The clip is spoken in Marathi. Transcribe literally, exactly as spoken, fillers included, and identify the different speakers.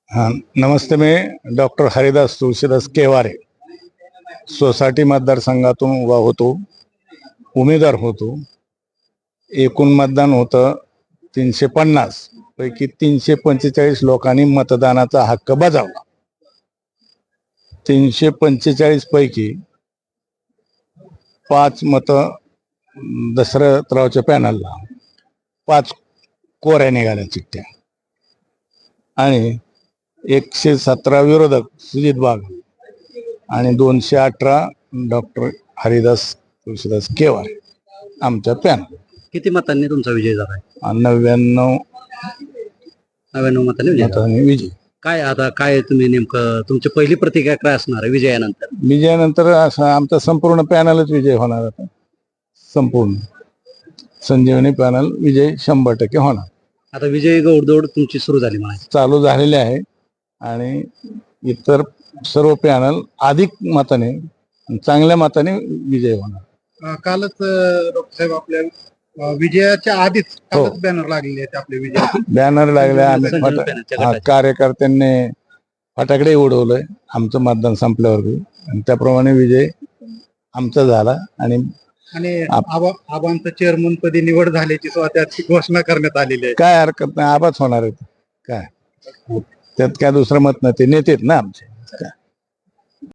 Speaker 1: हाँ नमस्ते, मैं डॉक्टर हरिदास तुळशीदास केवारे सोसायटी मतदारसंघातून उभा होतो, उमेदवार होतो. एकूण मतदान होतं तीनशे पन्नास पैकी तीनशे पंचेचाळीस लोकांनी मतदानाचा हक्क बजावला. तीनशे पंचेचाळीस पैकी पाच मत दशरथरावच्या पॅनलला, पाच कोऱ्या निघाल्या चिठ्ठ्या आणि एकशे सतरा विरोधक सुजित वाघ आणि दोनशे अठरा डॉक्टर हरिदास तुळशीदास केवारे आमच्या पॅनल.
Speaker 2: किती मतांनी तुमचा विजय झाला आहे?
Speaker 1: नव्याण्णव
Speaker 2: नव्याण्णव मतांनी विजय झाला.
Speaker 1: मतांनी विजय.
Speaker 2: काय आता काय तुम्ही नेमकं तुमची पहिली प्रतिक्रिया काय असणार आहे विजयानंतर?
Speaker 1: विजयानंतर असं आमचा संपूर्ण पॅनलच विजय होणार. आता संपूर्ण संजीवनी पॅनल विजय शंभर टक्के होणार.
Speaker 2: आता विजय गौडदौड तुमची सुरू झाली म्हणायची.
Speaker 1: चालू झालेले आहे आणि इतर सर्व पॅनल अधिक मताने चांगल्या मताने विजय होणार.
Speaker 3: कालच डॉक्टर साहेब आपल्या अ, विजयाच्या आधीच
Speaker 1: हो.
Speaker 3: कालच बॅनर लागलेले आहेत आपल्या विजय
Speaker 1: बॅनर लागले. आम्ही
Speaker 2: संजीवनी
Speaker 1: फटा-
Speaker 2: पॅनलच्या
Speaker 1: हा,
Speaker 2: गटाचे.
Speaker 1: कार्यकर्त्यांनी फटाकडे उडवलंय आमचं मतदान संपल्यावरती आणि त्याप्रमाणे विजय आमचा झाला. आणि
Speaker 3: आणि
Speaker 1: आप-
Speaker 3: आबा आबांचं चेअरमन पदी निवड झाल्याची सुद्धा त्याची घोषणा करण्यात आलेली आहे.
Speaker 1: काय हरकत नाही, आबाच होणार आहे. काय त्यात काय दुसरं मत नाही, ते नेतेत ना आमचे. काय